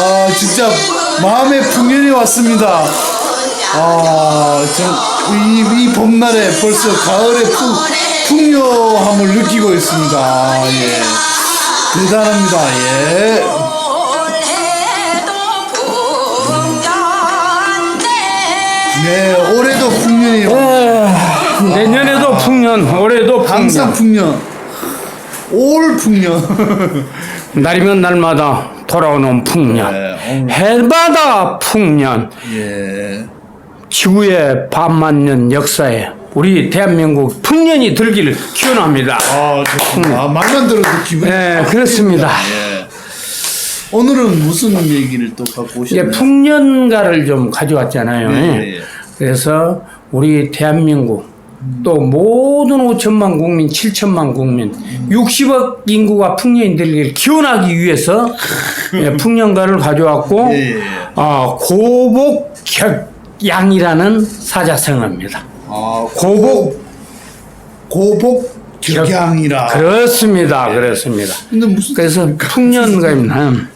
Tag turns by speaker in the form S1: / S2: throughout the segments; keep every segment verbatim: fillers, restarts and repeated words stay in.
S1: 아, 진짜 마음의 풍년이 왔습니다. 아, 이, 이 봄날에 벌써 가을의 풍, 풍요함을 느끼고 있습니다. 아, 예. 대단합니다. 예. 네, 올해도 풍년이요.
S2: 에, 내년에도 풍년, 올해도 풍년.
S1: 항상 풍년. 올 풍년.
S2: 날이면 날마다 돌아오는 풍년.
S1: 네,
S2: 해마다 풍년.
S1: 예.
S2: 지구에 반만 년 역사에 우리 대한민국 풍년이 들기를 기원합니다.
S1: 아, 좋습니다. 아, 말만 들어도 기분이.
S2: 네, 그렇습니다.
S1: 예. 오늘은 무슨 얘기를 또 갖고 오셨나요?
S2: 예, 풍년가를 좀 가져왔잖아요.
S1: 네.
S2: 그래서 우리 대한민국 또 모든 오천만 국민, 칠천만 국민, 육십억 인구가 풍년이 들기를 기원하기 위해서 예, 풍년가를 가져왔고
S1: 예.
S2: 어, 고복격양이라는 사자성어입니다.
S1: 아,
S2: 고복
S1: 고복 격양이라.
S2: 그렇습니다. 그렇습니다.
S1: 근데 무슨
S2: 그래서 풍년가에는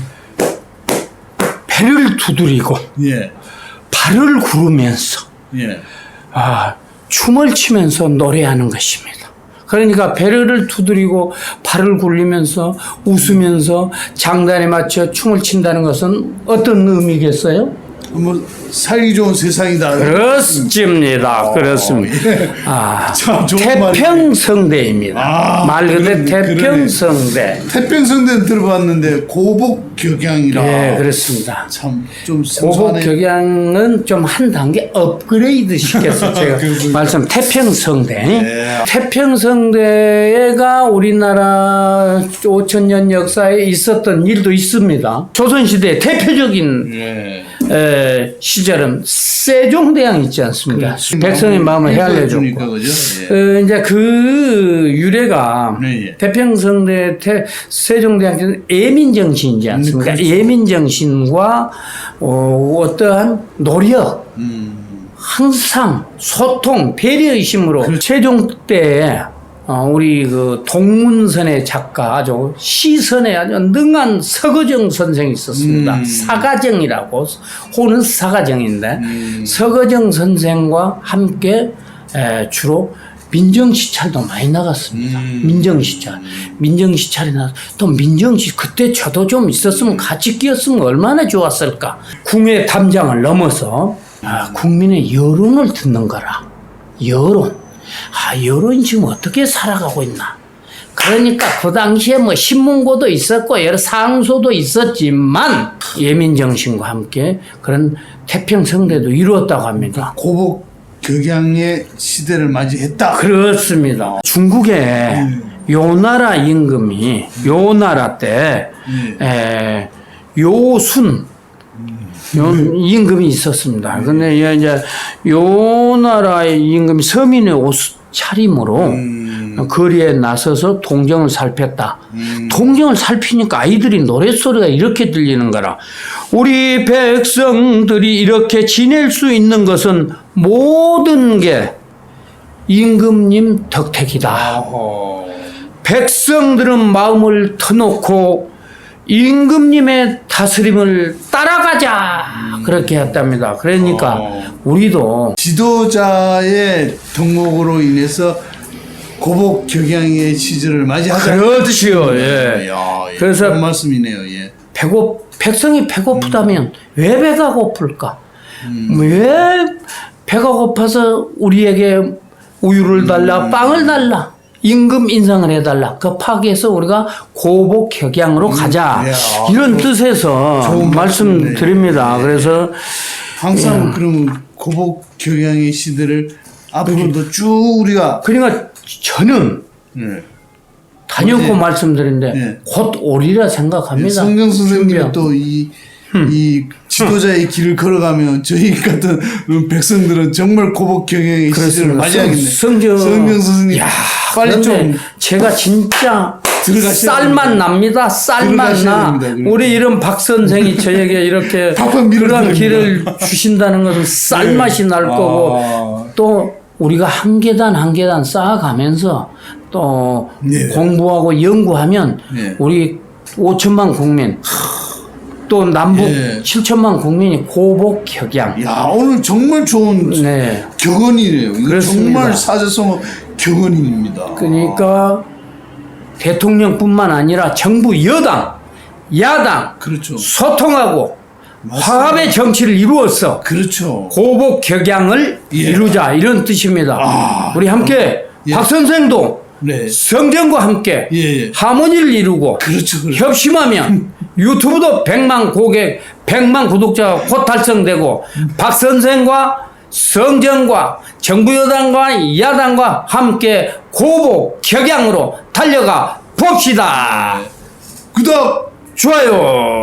S2: 배를 두드리고
S1: 예.
S2: 발을 구르면서
S1: 예.
S2: 아, 춤을 추면서 노래하는 것입니다. 그러니까 배를 두드리고 발을 굴리면서 웃으면서 장단에 맞춰 춤을 춘다는 것은 어떤 의미겠어요?
S1: 뭐 살기 좋은 세상이다.
S2: 그렇습니다.
S1: 어,
S2: 그렇습니다.
S1: 예.
S2: 아,
S1: 참 좋은
S2: 태평성대입니다.
S1: 아,
S2: 말 그대로
S1: 그러네,
S2: 태평성대.
S1: 태평성대는 들어봤는데 고복 격양이라.
S2: 예, 그렇습니다.
S1: 참 좀
S2: 고복
S1: 생소하네.
S2: 격양은 좀 한 단계 업그레이드 시켜서 제가
S1: 그렇군요.
S2: 말씀 태평성대.
S1: 예.
S2: 태평성대가 우리나라 오천 년 역사에 있었던 일도 있습니다. 조선시대의 대표적인
S1: 예.
S2: 에, 시절은 세종대왕 있지 않습니까?
S1: 그렇죠.
S2: 백성의 마음을 헤아려줬고.
S1: 그러니까 그죠? 예.
S2: 어, 이제 그 유래가
S1: 네, 예.
S2: 태평성대 태, 세종대왕께서는 예민정신이지 않습니까?
S1: 음, 그렇죠.
S2: 예민정신과 어, 어떠한 노력,
S1: 음.
S2: 항상 소통, 배려의심으로
S1: 그렇죠.
S2: 세종 때에 어, 우리 그 동문선의 작가 아주 시선에 아주 능한 서거정 선생이 있었습니다.
S1: 음.
S2: 사가정이라고 호는 사가정인데
S1: 음.
S2: 서거정 선생과 함께 에, 주로 민정시찰도 많이 나갔습니다.
S1: 음.
S2: 민정시찰, 민정시찰이 나 또 민정시 그때 저도 좀 있었으면 같이 끼었으면 얼마나 좋았을까. 궁의 담장을 넘어서 아, 국민의 여론을 듣는 거라. 여론. 아, 여론이 지금 어떻게 살아가고 있나. 그러니까 그 당시에 뭐 신문고도 있었고 여러 상소도 있었지만 예민정신과 함께 그런 태평성대도 이루었다고 합니다.
S1: 고복 격양의 시대를 맞이했다.
S2: 그렇습니다. 중국에 요나라 임금이 요나라 때 에, 요순 요 임금이 있었습니다. 근데 이제 요나라의 임금이 서민의 옷 차림으로
S1: 음.
S2: 거리에 나서서 동정을 살폈다.
S1: 음.
S2: 동정을 살피니까 아이들이 노랫소리가 이렇게 들리는 거라. 우리 백성들이 이렇게 지낼 수 있는 것은 모든 게 임금님 덕택이다.
S1: 어허.
S2: 백성들은 마음을 터놓고 임금님의 다스림을 따라가자. 그렇게 했답니다. 그러니까
S1: 어.
S2: 우리도
S1: 지도자의 덕목으로 인해서 고복 격양의 시절을 맞이하자.
S2: 그렇지요. 예.
S1: 야, 예.
S2: 그래서
S1: 그런 말씀이네요. 예.
S2: 배고 백성이 배고프다면
S1: 음.
S2: 왜 배가 고플까? 왜 배가 고파서 우리에게 우유를 달라,
S1: 음.
S2: 빵을 달라, 임금 인상을 해달라. 급하게해서 우리가 고복 격양으로 가자.
S1: 예. 아,
S2: 이런
S1: 좋-
S2: 뜻에서
S1: 좋은
S2: 말씀드립니다.
S1: 말씀이네.
S2: 그래서
S1: 항상 그럼 고복 격양의 시대를 앞으로도 쭉 우리가
S2: 그러니까 저는
S1: 예.
S2: 단연코
S1: 예.
S2: 말씀드린데
S1: 예.
S2: 곧 오리라 생각합니다.
S1: 성경 선생님이
S2: 준비하고.
S1: 또 이 이 지도자의 길을 걸어가면 저희 같은 백성들은 정말 고복 경영의 시절을 맞이하겠네.
S2: 성경,
S1: 성경 선생님
S2: 야,
S1: 빨리 좀
S2: 그런데 제가 진짜
S1: 들어가셔야
S2: 쌀만
S1: 됩니다.
S2: 납니다. 쌀만
S1: 들어가셔야
S2: 나.
S1: 됩니다. 그러니까.
S2: 우리 이런 박 선생이 저에게 이렇게
S1: 밥은 밀어드립니다.
S2: 그런 길을 주신다는 것은 쌀맛이 날
S1: 아.
S2: 거고 또 우리가 한 계단 한 계단 쌓아가면서 또
S1: 네.
S2: 공부하고 연구하면
S1: 네.
S2: 우리 오천만 국민 또 남북
S1: 예.
S2: 칠천만 국민이 고복혁양.
S1: 야, 오늘 정말 좋은
S2: 네.
S1: 격언이네요. 이거
S2: 그렇습니다.
S1: 정말 사자성어 격언입니다.
S2: 그러니까 대통령뿐만 아니라 정부 여당, 야당
S1: 그렇죠.
S2: 소통하고
S1: 맞습니다.
S2: 화합의 정치를 이루어서
S1: 그렇죠.
S2: 고복격양을
S1: 예.
S2: 이루자 이런 뜻입니다.
S1: 아,
S2: 우리 함께
S1: 예.
S2: 박 선생도
S1: 네.
S2: 성전과 함께
S1: 예, 예.
S2: 하모니를 이루고
S1: 그렇죠. 그렇죠.
S2: 협심하면 유튜브도 백만 고객, 백만 구독자가 곧 달성되고 박 선생과 성전과 정부 여당과 야당과 함께 고복격양으로 달려가 봅시다.
S1: 구독!
S2: 좋아요.